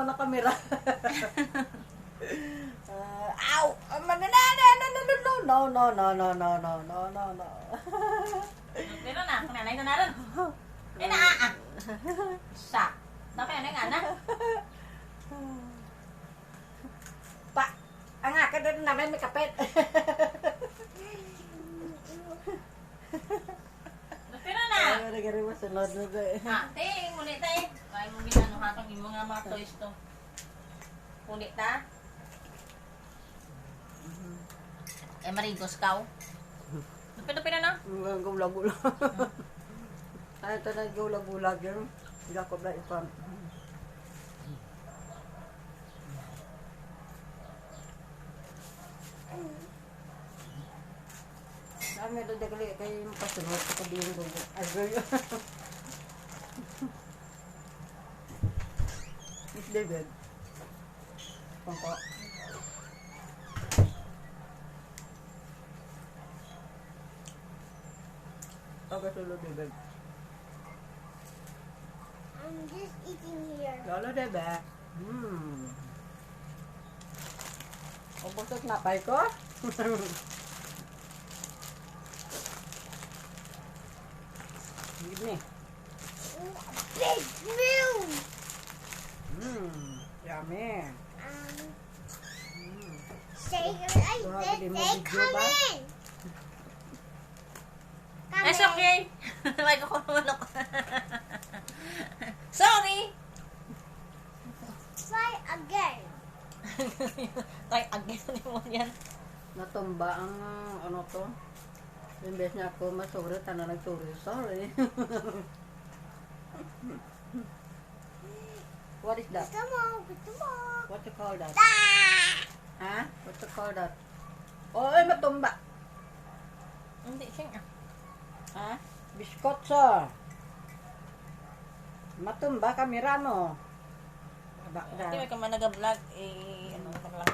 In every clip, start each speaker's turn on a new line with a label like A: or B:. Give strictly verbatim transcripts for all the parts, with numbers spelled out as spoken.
A: na kamera. uh, ow! No, no, no, no, no, no, no, no, no, no, no, no, no, no.
B: Pero na, nanay na naroon. Eh na, ah. Sa. Tapi ano nga na?
A: Pa, ang akin doon namin may kapit.
B: Pero na.
A: Ay, nagari masunod na ba eh.
B: Ah, te, ngunit ta eh. Kaya mo ginano hatang yung mga mga toys to. Ngunit ta. Eh, marigos ka. Pero-pero na.
A: Ang gulag-gulag. Ano ito na gulag-gulag yun? Jacob na ipam. Dami ito dagali kayo yung pasunod sa kabihing gugu. Agay yun. Miss David. Pangko. Okay, sulod David.
C: I'm just eating here.
A: Lolo David. Hmm. Ubos at napay ko. Give me.
C: Ooh, a big moon.
A: Mmm. Yummy.
C: Um,
A: Mm.
C: say, I
A: Grabe,
C: said,
A: di mo
C: they
A: video
C: come
A: ba?
C: in. Come
B: It's
C: in.
B: okay. May ko naman ako. Sorry.
C: Try again.
B: Try again mo yan.
A: Natumba ang ano to. Imbes niya ako masuri, tana nagsuri. Sorry. What is that?
C: Gusto mo, gusto mo.
A: What you call that?
C: Ah!
A: Ha? What you call that? Oh, ay matumba.
B: Hindi siya.
A: Ha? Biskotso. Matumba kamera mo. Aba,
B: Hindi
A: da.
B: may ka man nag-vlog. Eh, ano ka lang.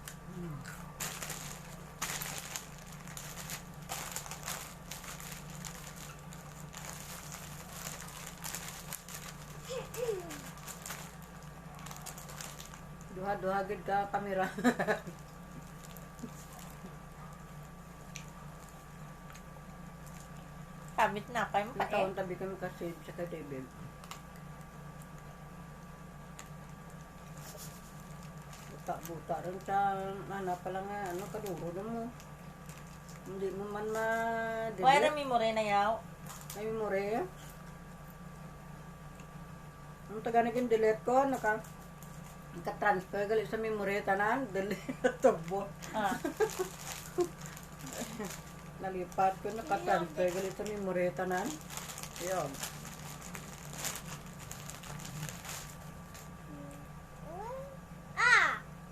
A: Duha-duha gid ka kamera.
B: Kabit na. Kaya mo pa
A: Yung
B: eh.
A: taon tabi kami kasi sa kay David. Buta-buta rin sa ano pala nga, ano, kaduro na mo. Hindi mo man ma-delete.
B: Wala na memory na yaw.
A: May memory. Ang taga naging delete ko, naka, naka-transfer gali sa memory tanan, delete tubo.
B: Ah.
A: Nalipat ko, naka-transfer gali sa memory tanan. Yun.
C: Ah!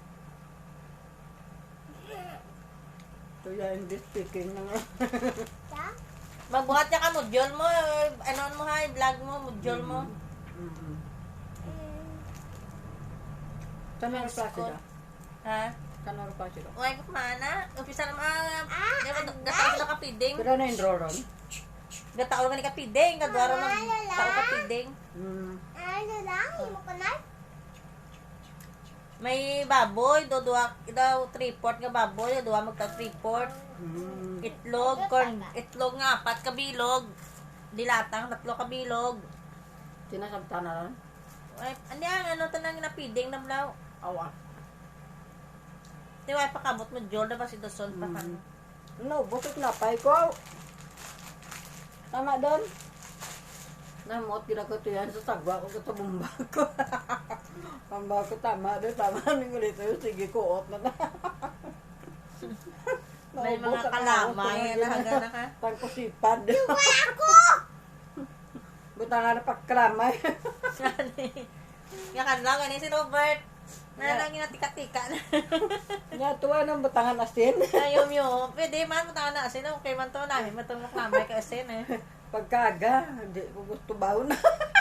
A: So yeah, hindi speaking na nga.
C: Ta?
B: Magbuhat niya ka module mo. eh, Ano mo ha, vlog mo, module mo.
A: Mm-hmm.
C: Mm.
A: Saan na replace
B: Good.
A: ka?
B: Ha?
A: Saan na replace ka?
B: Uy, kumana. Umpisa na mga...
C: Ah,
B: Di ba,
C: ang
B: gataw na kapiding.
A: Pero na enroll ron?
B: Gataw na ni kapiding. Gadwaro na
C: Wala, wala.
B: tao kapiding.
A: Mm.
C: Ano lang, mo ko na?
B: May baboy, do duwa, daw three-port nga baboy, do duwa magta three-port.
A: Mm.
B: Itlog, corn, itlog nga, apat kabilog. Dilatang, tatlo kabilog.
A: Sinasabta na ron?
B: Ay, ano yan, ano ito nang napiding na blaw.
A: Awa.
B: Di ba, pakabot mo, Jol, na ba si Doson pa ka?
A: Mm. No, busok na pay ko. Tama doon. Namot ginako to yan sa sagwa ko sa bumba ko. Bumba ko tama doon, tama nang ulit yun. Sige ko, ot na na.
B: May
A: Naubos
B: mga
A: ang
B: kalamay,
A: ako,
B: nahaga na ka.
A: Pangkusipad.
C: Ako!
A: Buta nga na pagkalamay.
B: Nga kan lang, ganyan si Robert. Nalang yung tika-tika na.
A: Nga tuwa ng butangan asin.
B: Ayom yun. Pwede man, matangan na asin. Okay man to, namin matulog na may ka asin eh.
A: Pagkaga, hindi ko gusto baw na.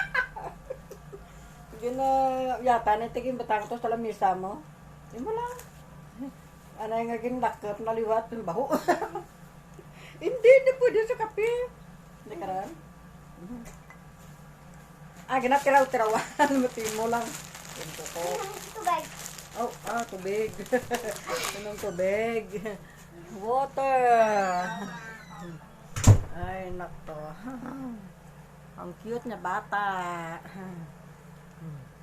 A: Yun na, yata na tiging batang to sa lamisa mo. Yun mo lang. Ano yung naging lakot na liwat yung baho. Hindi, hindi pwede sa kape. Hindi ka rin. Ah, ginatiraw-tirawan. Mati mo lang. Yung kuko.
C: Tubig.
A: Oh, ah, tubig. Anong tubig? Water. Ay, nakto. Ang cute na bata.